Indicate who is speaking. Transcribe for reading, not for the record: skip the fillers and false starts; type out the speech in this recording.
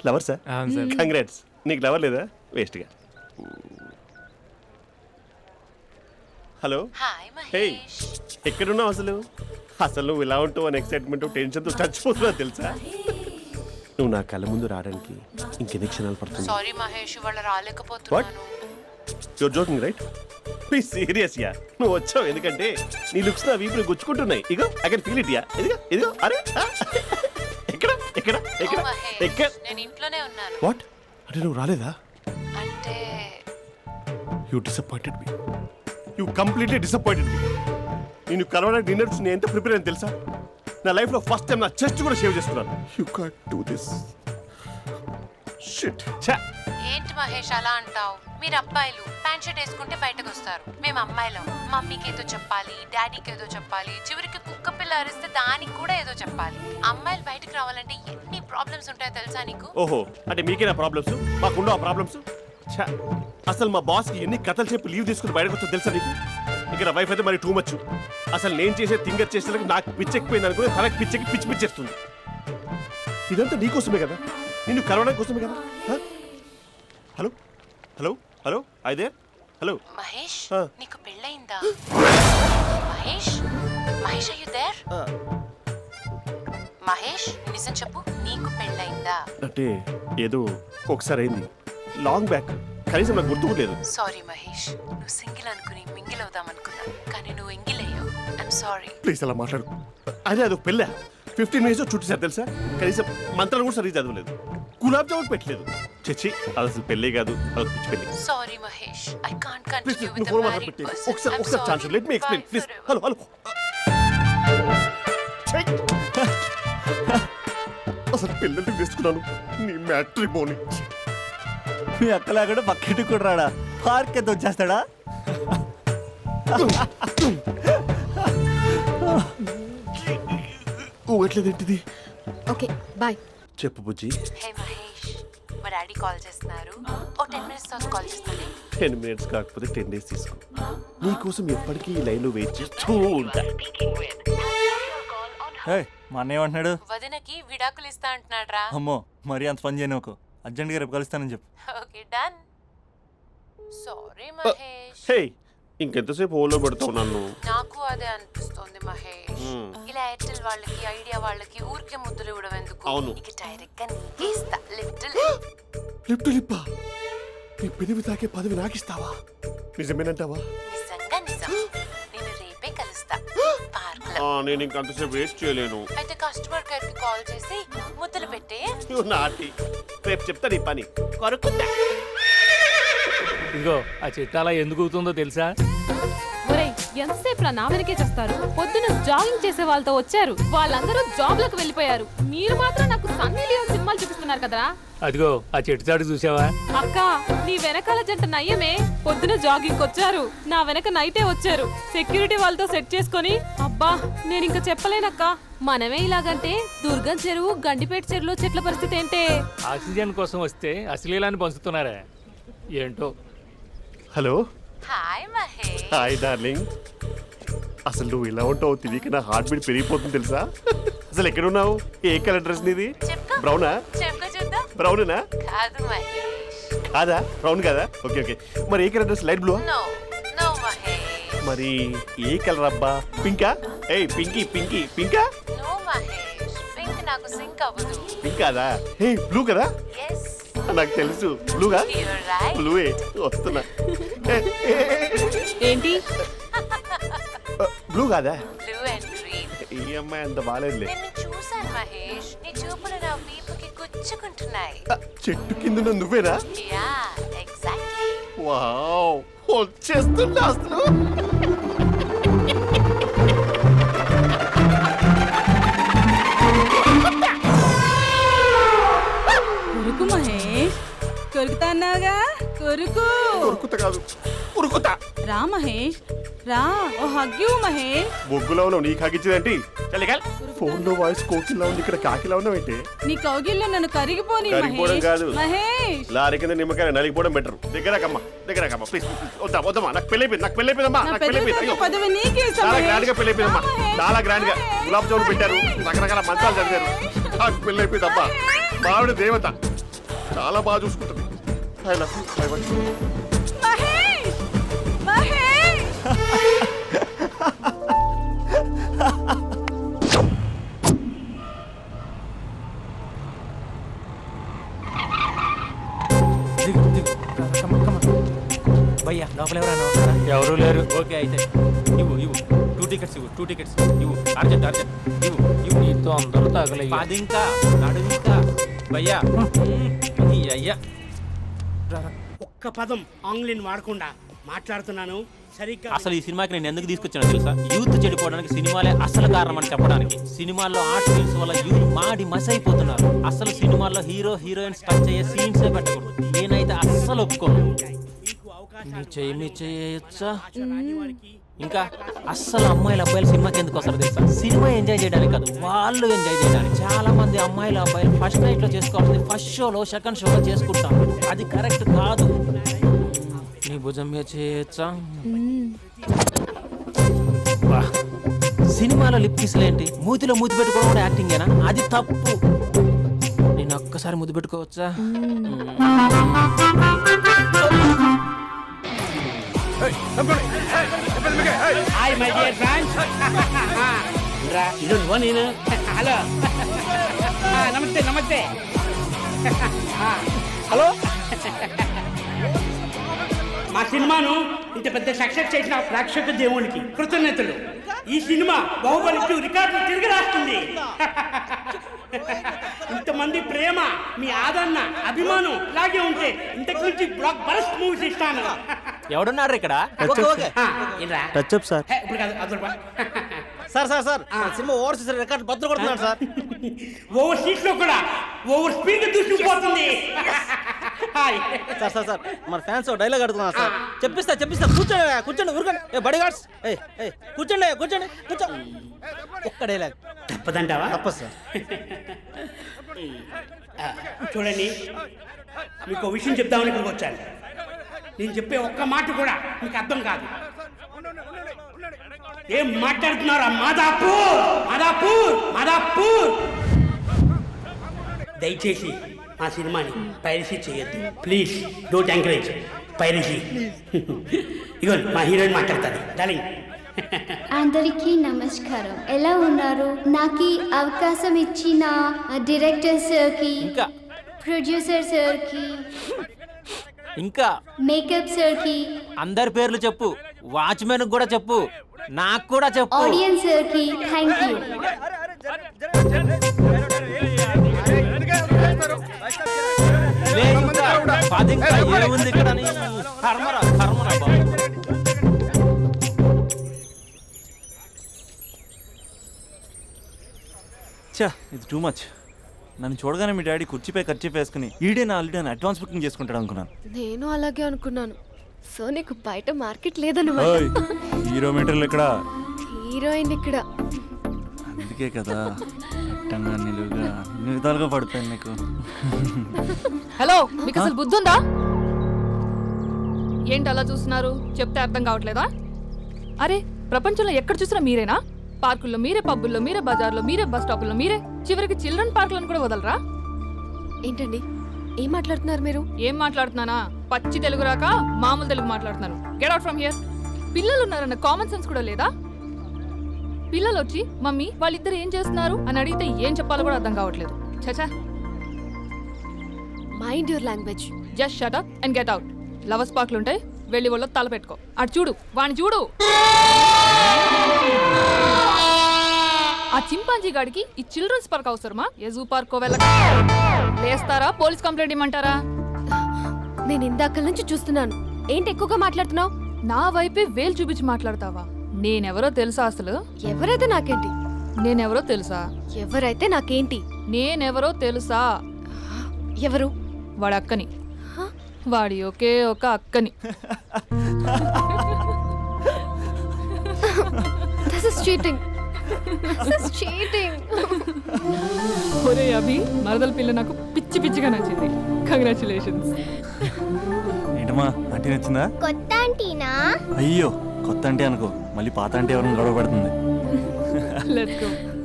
Speaker 1: Lover sir congrats. నీకు lover లేదా? వేస్ట్గా. హలో. హే, ఎక్కడున్నావు అసలు? అసలు నువ్వు ఇలా ఉంటావు అని ఎక్సైట్మెంట్ టెన్షన్తో చచ్చిపోతున్నావు తెలుసా? నువ్వు నా కళ్ళ ముందు రావడానికి ఇంకెన్ని క్షణాలు పడుతుంది?
Speaker 2: సారీ మహేష్, ఇవాళ రాలేకపోతున్నాను.
Speaker 1: Your joking right? Be serious yeah. నువ్వు వచ్చావు ఎందుకంటే నీ లుక్స్ నా వీపుని గుచ్చుకుంటున్నాయి. ఇగో I can feel it yeah. ఇదిగో ఇదిగో. అరే ఎక్కడ ఎక్కడ ఎక్కడ ఎక్కడ?
Speaker 2: నేను ఇంట్లోనే ఉన్నాను.
Speaker 1: వాట్ అంటే నువ్వు రాలేదా?
Speaker 2: అంటే
Speaker 1: you disappointed me. You completely disappointed me. నేను కరోనా డిన్నర్స్ నేను ఎంత ప్రిపేర్ అని తెలుసా? నా లైఫ్లో ఫస్ట్ టైం నా చెస్ట్ కూడా సేవ్ చేసుకున్నాను. You can't do this shit.
Speaker 2: ఏంటి మహేష్ అలా అంటావు? మీరు అబ్బాయిలు ప్యాంట్ షర్ట్ వేసుకుంటే బయటకు వస్తారు. మేము అమ్మాయిలం మమ్మీకి ఏదో చెప్పాలి, డాడీకి ఏదో చెప్పాలి, చివరికి కుక్క పిల్ల అరిస్తే దానికి కూడా ఏదో చెప్పాలి. అమ్మాయిలు బయటకు రావాలంటే ఎన్ని ప్రాబ్లమ్స్ ఉంటాయో తెలుసా నీకు?
Speaker 1: ఓహో, అంటే మీకేనా ప్రాబ్లమ్స్? మాకుండా ప్రాబ్లమ్స్? అసలు మా బాస్కి ఎన్ని కథలు చెప్పి లీవ్ తీసుకుని బయటకు వచ్చా తెలుసా నీకు? ఇక్కడ వైఫ్ అయితే మరి టూ మచ్. అసలు నేను చేసే థింగర్ చేసేందుకు నాకు పిచ్చెక్కిపోయింది అనుకుని తనకు పిచ్చెక్కి పిచ్చి పిచ్చేస్తుంది. ఇదంతా నీకోసమే కదా, నిన్ను కరోనా కోసమే కదా. హలో హలో హలో అయితే హలో
Speaker 2: మహేష్, నీకు పెళ్ళయిందా? Mahesh Mahesh are you there? Mahesh నిజం చెప్పు, నీకు పెళ్ళయిందా?
Speaker 1: అంటే ఏదో ఒకసారి అయింది, లాంగ్ బ్యాక్, కనీసం నాకు గుర్తు లేదు.
Speaker 2: సారీ మహేష్, నువ్వు సింగిల్ అనుకుని మింగిల్ అవుదాం అనుకున్నా, కానీ నువ్వు ఎంగిల్ అయ్యావు. I'm sorry.
Speaker 1: ప్లీజ్ అలా మాట్లాడు. అదే అదొక పెళ్ళ 15 మినిట్స్ చుట్టేసారు తెలుసా? కనీసం మంత్రాలు కూడా సరిగ్గా చదవలేదు, గులాబ్ జామున్ పెట్టలేదు. చచ్చి, అది అసలు పెళ్ళే కాదు, అదొక పిచ్చి పెళ్ళి.
Speaker 2: Sorry Mahesh, I can't continue with the
Speaker 1: phone
Speaker 2: married
Speaker 1: మాట్లాడి
Speaker 2: పర్సన్.
Speaker 1: ఒకసారి chance let me explain please. Hello hello. అసలు పిల్లల్ని తీసుకున్నాను నీ మ్యాట్రిమోని.
Speaker 3: మీ అక్కలా కూడా పక్కింటి కూడా రాడా? పార్క్ ఎంత వచ్చేస్తాడా?
Speaker 1: ఊగట్లేదేంటిది?
Speaker 4: Okay bye.
Speaker 1: చెప్పు బుజ్జి.
Speaker 2: హే మహేష్, మా డాడీ కాల్ చేస్తున్నారు. ఓ 10 minutes తర్వాత కాల్ చేస్తాను.
Speaker 1: 10 minutes కాకపోతే 10 days తీసుకో. నీకోసం ఎప్పటికీ ఈ లైన్లో వెయిట్ చేస్తూ ఉంటా.
Speaker 3: మా అన్నయ్య ఏమంటున్నాడు?
Speaker 2: వదినకి విడాకులు ఇస్తా అంటున్నాడు రా.
Speaker 3: అమ్మో, మరీ అంత పని చేయను. ఒక అర్జెంట్గా రేపు కలుస్తానని చెప్పు.
Speaker 2: Okay done. Sorry Mahesh.
Speaker 1: Hey, ఇంకెంతసేపు హోల్లో పెడతావు నన్ను?
Speaker 2: నాకు అదే అనిపిస్తుంది మహేష్. ఇలా ఎయిర్టెల్ వాళ్ళకి, ఐడియా వాళ్ళకి ఊరికే ముద్దులు ఇవ్వడం ఎందుకు?
Speaker 1: అవును.
Speaker 2: ఇక డైరెక్ట్ గా నీకే ఇస్తా.
Speaker 1: లిప్ టు లిప్పా? నీ పెదవి తాకే పదవి నాకిస్తావా? నిజమేనంటావా?
Speaker 2: నిజంగా నిజం. నేను రేపే కలుస్తా పార్క్ లో.
Speaker 1: నేను ఇంకంతసేపు వేస్ట్ చేయలేను.
Speaker 2: అయితే కస్టమర్ కేర్ కి కాల్ చేసి ముద్దులు పెట్టే.
Speaker 1: నాటి రేపు చెప్తా నీ పని. కొరుకుందా?
Speaker 5: ఇదిగో ఆ చెట్టు అలా ఎందుకు అవుతుందో తెలుసా?
Speaker 4: ఒరేయ్, ఎంతసేపు నా వెనకే చేస్తారు? పొద్దున జాగింగ్ చేసే వాళ్ళతో వచ్చారు, వాళ్ళందరూ జాబ్లకు వెళ్ళిపోయారు. మీరు మాత్రం నాకు సన్నీ లియోన్ సినిమాలు చూపిస్తున్నారు కదరా.
Speaker 5: అదిగో ఆ చెట్టు చాటు చూసావా?
Speaker 4: అక్క, నీ వెనకాల జంట నయ్యమే. పొద్దున జాగింగ్ వచ్చారు, నా వెనక నైటే వచ్చారు. సెక్యూరిటీ వాళ్ళతో సెట్ చేసుకొని, అబ్బా నేను ఇంకా చెప్పలేనక్క. మనమే ఇలాగంటే దుర్గం చెరువు, గండిపేట చెరువులో చెట్ల పరిస్థితి ఏంటే?
Speaker 5: ఆక్సిజన్ కోసం వస్తే అశ్లీలాన్ని పంచుతున్నారా ఏంటో.
Speaker 1: Hello.
Speaker 2: Hi Mahesh.
Speaker 1: Hi darling. అసలు నువ్వు ఇలా ఉంటావు తెలియక నా హార్ట్ బీట్ పెరిగిపోతుంది తెలుసా? అసలు ఎక్కడున్నావు? ఏ కలర్ డ్రెస్ నీది? బ్రౌనా?
Speaker 2: చెప్పుకో చూద్దాం.
Speaker 1: బ్రౌనేనా?
Speaker 2: కాదు మహేష్.
Speaker 1: కాదా? బ్రౌన్ కదా? Okay okay. మరి ఏ colour dress? Light blue?
Speaker 2: No no Mahesh.
Speaker 1: మరి ఏ కలర్ అబ్బా? పింకా? ఏయ్ పింకీ పింకీ పింకా?
Speaker 2: నో మహేష్, పింక్ నాకు సింక్ అవ్వదు.
Speaker 1: పింక్ కాదా? ఏ బ్లూ కదా?
Speaker 2: yes
Speaker 1: నాకు తెలుసు బ్లూగా.
Speaker 2: you're right.
Speaker 1: బ్లూవే వస్తున్నా.
Speaker 4: ఏంటి
Speaker 1: బ్లూ కాదా?
Speaker 2: blue and green.
Speaker 1: ఈ అమ్మాయి అంత బాగాలేదులే.
Speaker 2: నిన్ను చూశాను మహేష్, నీ చూపులు నా వీపుకి గుచ్చుకుంటున్నాయి.
Speaker 1: చెట్టు కింద నువ్వేనా?
Speaker 2: Yeah exactly.
Speaker 1: వావ్, వచ్చేస్తున్నా అసలు.
Speaker 6: కొరుకు మహేష్, కొరుకుతా అన్నావుగా, కొరుకు.
Speaker 1: ఉరుకుతా కాదు, ఉరుకుతా.
Speaker 6: రా మహేష్, రా. ఓ హగ్గు మహేష్.
Speaker 1: బొగ్గులో ఉన్నావు, నీకు హగిచ్చేదేంటి? ఫోన్ లో వాయిస్ కోకిలా ఉంది, ఇక్కడ కాకిలా ఉన్నావేంటి?
Speaker 6: నీ కౌగిల్లో నన్ను కరిగిపోని
Speaker 1: కరిగిపోవడం
Speaker 6: మహేష్.
Speaker 1: కాదు.
Speaker 6: మహేష్,
Speaker 1: లారీ కింద నిమ్మకాయ నలిగిపోవడం బెటర్. దగ్గరకమ్మా ప్లీజ్. వద్దా వద్దమ్మా, నాకు పెళ్ళైపోయిందమ్మా,
Speaker 6: నా
Speaker 1: నాకు
Speaker 6: పెద్ద
Speaker 1: పెళ్ళైపోయింది.
Speaker 6: పదవి నీకే ఇస్తా
Speaker 1: చాలా
Speaker 6: మహేష్.
Speaker 1: గ్రాండ్ గా పెళ్ళైపోయిందమ్మా,
Speaker 6: మహేష్,
Speaker 1: చాలా గ్రాండ్ గా. గులాబ్ జామున్ పెట్టారు, రకరకాల మంచాలు చదివారు. నాకు పెళ్ళైపోయిందమ్మా. మావిడ దేవత. చాలా బాగా చూసుకుంటుంది. I love you. I want you.
Speaker 6: Mahesh Mahesh
Speaker 7: భయ్యా లోపల ఎవరైనా ఉన్నారా?
Speaker 5: ఎవరూ లేరు.
Speaker 7: ఓకే అయితే ఇవ్వు 2 టికెట్స్ ఇవ్వు 2 టికెట్స్ ఇవ్వు అర్జెంట్ ఇవ్వు
Speaker 5: నీతో అందరూ తగలయ్యా.
Speaker 7: పది ఇంకా నడుము ఇంకా భయ్యా ఈ అయ్యా
Speaker 8: ఒక్క పదం ఆంగ్లీన్ వాడకుండా మాట్లాడుతున్నాను సరిగ్గా.
Speaker 7: అసలు ఈ సినిమాకి నేను ఎందుకు తీసుకొచ్చానో తెలుసా? యూత్ చెడిపోవడానికి సినిమాలే అసలు కారణం అని చెప్పడానికి. సినిమాల్లో ఆర్ట్ ఫిల్మ్స్ వల్ల యూత్ మాడి మసైపోతున్నారు. అసలు సినిమాల్లో హీరో హీరోయిన్స్ టచ్ అయ్యే సీన్స్ పెట్టకూడదు. నేనైతే అస్సలు ఒప్పుకోను. మీ చేయొచ్చా? ఇంకా అస్సలు అమ్మాయిలు అబ్బాయిలు సినిమాకి ఎందుకు వస్తారు తెలుసా? సినిమా ఎంజాయ్ చేయడానికి కాదు, వాళ్ళు ఎంజాయ్ చేయడానికి. చాలా మంది అమ్మాయిలు అబ్బాయిలు ఫస్ట్ నైట్ లో చేసుకోవాల్సింది ఫస్ట్ షోలో సెకండ్ షోలో చేసుకుంటాం. అది కరెక్ట్ కాదు. నీ భుజం మీద చేయొచ్చా? వా. సినిమాలో లిప్ కిస్లేంటి? మూతిలో మూతి పెట్టుకోవడం కూడా యాక్టింగేనా? అది తప్పు. నేను ఒక్కసారి ముద్దు పెట్టుకోవచ్చా?
Speaker 8: Hi my dear friends. ఇది నువ్వు నేను. హలో నమస్తే నమస్తే. హలో మా సినిమాను ఇంత పెద్ద సక్సెస్ చేసిన ప్రేక్షక దేవునికి కృతజ్ఞతలు. ఈ సినిమా బాహుబలి 2 రికార్డులు తిరిగి రాస్తుంది. ఇంతమంది ప్రేమ, మీ ఆదరణ, అభిమానం ఇలాగే ఉంటే ఇంతకు నుంచి బ్లాక్ బరస్ట్ మూవీస్ ఇస్తాను.
Speaker 7: ఎవడున్నారు ఇక్కడ?
Speaker 3: Touch up sir.
Speaker 8: ఇప్పుడు కాదు అదొక
Speaker 3: సార్ సినిమా ఓవర్సీస్ రికార్డ్ బద్దలు కొడుతున్నాడు సార్.
Speaker 8: ఓవర్ సీట్ లో కూడా ఓవర్ స్పీడ్ దూసుకుపోతుంది.
Speaker 3: సార్ మన ఫ్యాన్స్ డైలాగ్ అడుగుతున్నారు సార్. చెప్పిస్తా కూర్చోండి ఊరుకోండి. బడి గార్డ్స్ కూర్చోండి ఒక్క డైలాగ్
Speaker 8: తప్పదంటావా?
Speaker 3: తప్పదు సార్.
Speaker 8: చూడండి, మీకు ఒక విషయం చెప్దామని ఇక్కడికి వచ్చాను. నేను చెప్పే ఒక్క మాట కూడా మీకు అర్థం కాదు. ఏం మాట్లాడుతున్నారా? మాదాపూర్. దయచేసి ఆ సినిమాని పైరసీ చేయొద్దు ప్లీజ్. Don't encourage piracy. ఇగో మా హీరోయిన్ మాట్లాడతాను. డార్లింగ్.
Speaker 9: అందరికీ నమస్కారం. ఎలా ఉన్నారు? నాకు ఈ అవకాశం ఇచ్చిన డైరెక్టర్ సార్కి,
Speaker 7: ఇంకా
Speaker 9: ప్రొడ్యూసర్ సార్కి,
Speaker 7: ఇంకా
Speaker 9: మేకప్ సార్కి,
Speaker 7: అందరి పేర్లు చెప్పు. వాచ్మెన్ కూడా చెప్పు, నాకు కూడా చెప్పు.
Speaker 9: ఆడియన్స్ సార్కి థ్యాంక్ యూ.
Speaker 7: లే ఇంకా, పది ఇంకా ఏముంది ఇక్కడ అని. కర్మరా బాబు.
Speaker 3: ఇది టూ మచ్. నన్ను చూడగానే మీ డాడీ కుర్చీపై ఖర్చు వేసుకుని ఈడే నా ఆల్రెడీ అడ్వాన్స్ బుకింగ్ చేసుకుంటాడు అనుకున్నాను.
Speaker 4: నేను అలాగే అనుకున్నాను. సో నీకు బయట మార్కెట్ లేదన్నమాట.
Speaker 3: హీరో మీటర్లు ఇక్కడ,
Speaker 4: హీరోయిన్ ఇక్కడ.
Speaker 3: అందుకే కదా అట్టంగా నిలువుగా అన్ని విధాలుగా పడిపోయాను నీకు.
Speaker 10: హలో, మీకు అసలు బుద్ధి ఉందా? ఏంటి అలా చూస్తున్నారు? చెప్తే అర్థం కావట్లేదా? అరే, ప్రపంచంలో ఎక్కడ చూసినా మీరేనా? పార్కుల్లో మీరే, పబ్బుల్లో మీరే, బజార్లో మీరే, బస్ స్టాపుల్లో మీరే, చివరికి చిల్డ్రన్ పార్కులను కూడా వదలరా?
Speaker 4: ఏంటండి ఏం మాట్లాడుతున్నారు మీరు?
Speaker 10: ఏం మాట్లాడుతున్నానా? పచ్చి తెలుగు రాక మామూలు తెలుగు మాట్లాడుతున్నాను. Get out from here. పిల్లలు ఉన్నారన్న కామన్ సెన్స్ కూడా లేదా? పిల్లలు వచ్చి మమ్మీ వాళ్ళిద్దరు ఏం చేస్తున్నారు అని అడిగితే ఏం చెప్పాలో కూడా అర్థం కావట్లేదు. చచా.
Speaker 4: Mind your language.
Speaker 10: Just shut up and get out. Lovers పార్క్లు ఉంటాయి, వెళ్ళి వాళ్ళ తల పెట్టుకో. అటు చూడు, వాణ్ణి చూడు. ఆ చింపాంజీ గాడికి ఈ చిల్డ్రన్స్ పార్క్ అవసరమా? ఏ జూ పార్క్ వెళ్ళక వేస్తారా? పోలీస్ కంప్లైంట్ ఇమ్మంటారా?
Speaker 4: నేను ఇందాక నుంచి చూస్తున్నాను. ఏంటి ఎక్కువగా మాట్లాడుతున్నావు?
Speaker 10: నా వైపే వేలు చూపించి మాట్లాడతావా? నేనెవరో తెలుసా? అసలు
Speaker 4: ఎవరైతే నాకేంటి?
Speaker 10: నేనెవరో తెలుసా?
Speaker 4: ఎవరైతే నాకేంటి?
Speaker 10: నేనెవరో తెలుసా?
Speaker 4: ఎవరు?
Speaker 10: వాడి అక్కని. వాడి ఒకే ఒక అక్కని.
Speaker 4: This is cheating. This is cheating.
Speaker 10: ఒరే అభి, మరదల పిల్ల నాకు పిచ్చి పిచ్చిగా నచ్చింది. కంగ్రాచులేషన్స్.
Speaker 3: ఏంటమ్మా ఆంటీ నచ్చిందా?
Speaker 9: కొత్త ఆంటీనా?
Speaker 3: అయ్యో కొత్త అంటే అనుకో, మళ్ళీ పాత అంటే ఎవరైనా గొడవ పడుతుంది.
Speaker 10: Let's go.